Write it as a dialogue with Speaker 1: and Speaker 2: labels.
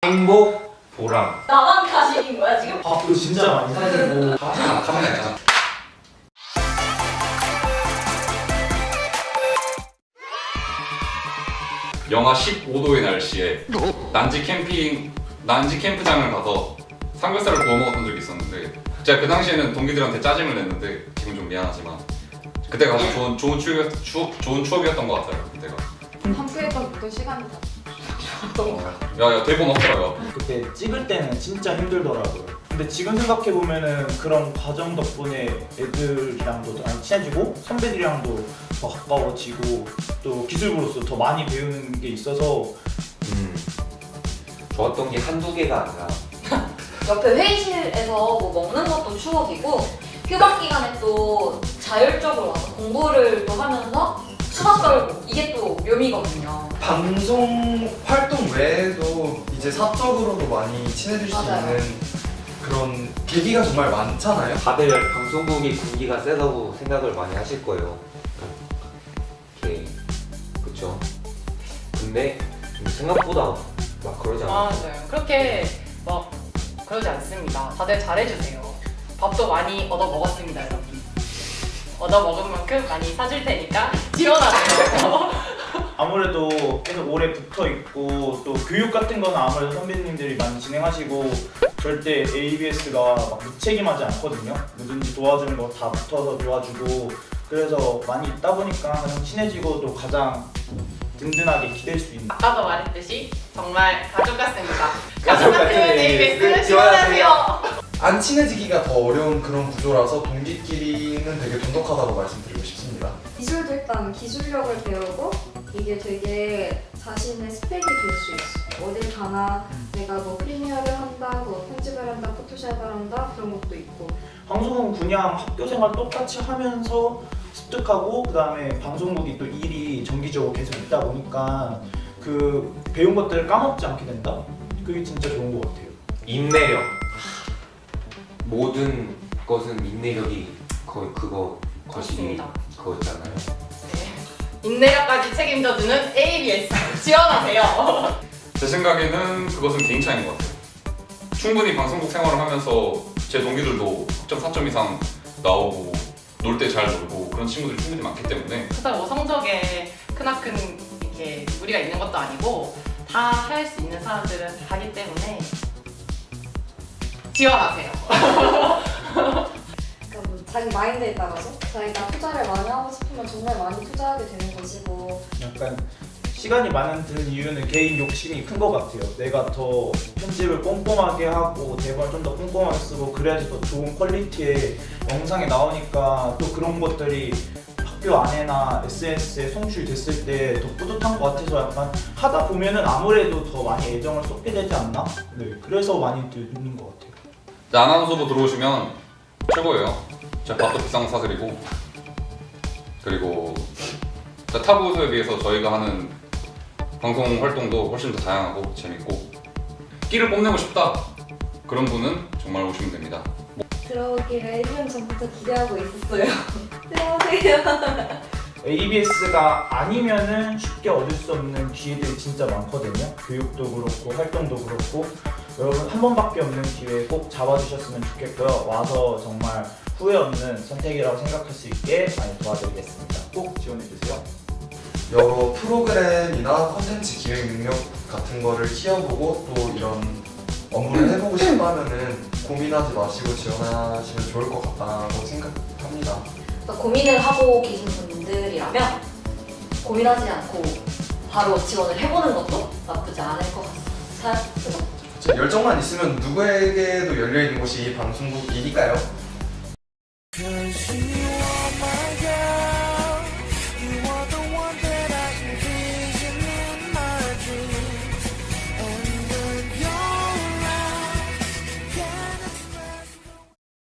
Speaker 1: 행복, 보람.
Speaker 2: 나만 가식인 거야 지금?
Speaker 3: 아 그거 진짜 많이 사지고
Speaker 1: 가만히
Speaker 4: 영하 15도의 날씨에 난지 캠프장을 가서 삼겹살을 구워 먹었던 적이 있었는데 제가 그 당시에는 동기들한테 짜증을 냈는데 지금 좀 미안하지만 그때가 아주 좋은 추억이었던 것 같아요. 그때가.
Speaker 2: 학교에서 모든 시간이 다
Speaker 4: 야야 대본 없더라고요.
Speaker 3: 그때 찍을 때는 진짜 힘들더라고요. 근데 지금 생각해 보면은 그런 과정 덕분에 애들이랑도 많이 친해지고 선배들이랑도 더 가까워지고 또 기술부로서 더 많이 배우는 게 있어서
Speaker 1: 좋았던 게 한두 개가 아니라
Speaker 2: 옆에 회의실에서 뭐 먹는 것도 추억이고 휴학 기간에 또 자율적으로 와서 공부를 또 하면서 수다 떨고 이게 또 묘미거든요.
Speaker 5: 방송 활동 외에도 이제 사적으로도 많이 친해질 수
Speaker 2: 맞아요.
Speaker 5: 있는 그런 계기가 정말 많잖아요.
Speaker 1: 다들 방송국이 군기가 세다고 생각을 많이 하실 거예요. 이렇게 그쵸? 근데 생각보다 막 그러지 않아요.
Speaker 6: 맞아요. 그렇게 막 그러지 않습니다. 다들 잘해주세요. 밥도 많이 얻어 먹었습니다, 여러분. 얻어 먹은 만큼 많이 사줄 테니까 지원하세요.
Speaker 3: 아무래도 계속 오래 붙어 있고 또 교육 같은 거는 아무래도 선배님들이 많이 진행하시고 절대 ABS가 막 무책임하지 않거든요. 뭐든지 도와주는 거 다 붙어서 도와주고 그래서 많이 있다 보니까 가장 친해지고 또 가장 든든하게 기댈 수 있는.
Speaker 6: 아까도 말했듯이 정말 가족 같습니다.
Speaker 3: 가족
Speaker 6: 가족 같은
Speaker 3: 같은
Speaker 6: ABS 지원하세요.
Speaker 5: 안 친해지기가 더 어려운 그런 구조라서 동기끼리는 되게 돈독하다고 말씀드리고 싶습니다.
Speaker 7: 기술도 일단 기술력을 배우고 이게 되게 자신의 스펙이 될 수 있어. 어딜 가나 내가 뭐 프리미어를 한다, 뭐 편집을 한다, 포토샵을 한다 그런 것도 있고.
Speaker 3: 방송은 그냥 학교 생활 똑같이 하면서 습득하고 그 다음에 방송국이 또 일이 정기적으로 계속 있다 보니까 그 배운 것들을 까먹지 않게 된다? 그게 진짜 좋은 것 같아요.
Speaker 1: 인내력. 모든 것은 인내력이 거의 거시기
Speaker 6: 맞습니다.
Speaker 1: 그거잖아요.
Speaker 6: 네. 인내력까지 책임져주는 ABS 지원하세요.
Speaker 4: 제 생각에는 그것은 개인 차이인 것 같아요. 충분히 방송국 생활을 하면서 제 동기들도 학점 4점 이상 나오고 놀 때 잘 놀고 그런 친구들이 충분히 많기 때문에
Speaker 6: 그래서 뭐 성적에 크나큰 이렇게 무리가 있는 것도 아니고 다 할 수 있는 사람들은 다 하기 때문에 지원하세요.
Speaker 7: 그러니까 뭐 자기 마인드에 따라서 자기가 투자를 많이 하고 싶으면 정말 많이 투자하게 되는 것이고.
Speaker 3: 약간 시간이 많은 드는 이유는 개인 욕심이 큰 것 같아요. 내가 더 편집을 꼼꼼하게 하고 대본을 좀 더 꼼꼼하게 쓰고 그래야지 더 좋은 퀄리티의 영상이 나오니까 또 그런 것들이 학교 안에나 SNS에 송출됐을 때 더 뿌듯한 것 같아서 약간 하다 보면은 아무래도 더 많이 애정을 쏟게 되지 않나? 네, 그래서 많이 듣는 것 같아요.
Speaker 4: 아나운서부 들어오시면 최고예요. 제가 밥도 비싼 거 사드리고 그리고 타부서에 비해서 저희가 하는 방송 활동도 훨씬 더 다양하고 재밌고 끼를 뽐내고 싶다 그런 분은 정말 오시면 됩니다.
Speaker 7: 들어오기를 1년 전부터 기대하고 있었어요. 들어오세요.
Speaker 3: ABS가 아니면은 쉽게 얻을 수 없는 기회들이 진짜 많거든요. 교육도 그렇고 활동도 그렇고 여러분 한 번밖에 없는 기회 꼭 잡아주셨으면 좋겠고요. 와서 정말 후회 없는 선택이라고 생각할 수 있게 많이 도와드리겠습니다. 꼭 지원해주세요.
Speaker 5: 여러 프로그램이나 컨텐츠 기획 능력 같은 거를 키워보고 또 이런 업무를 해보고 싶다면은 고민하지 마시고 지원하시면 좋을 것 같다고 생각합니다.
Speaker 2: 그러니까 고민을 하고 계신 분들이라면 고민하지 않고 바로 지원을 해보는 것도 나쁘지 않을 것 같아요. 그죠?
Speaker 5: 열정만 있으면 누구에게도 열려있는 곳이 이 방송국이니까요.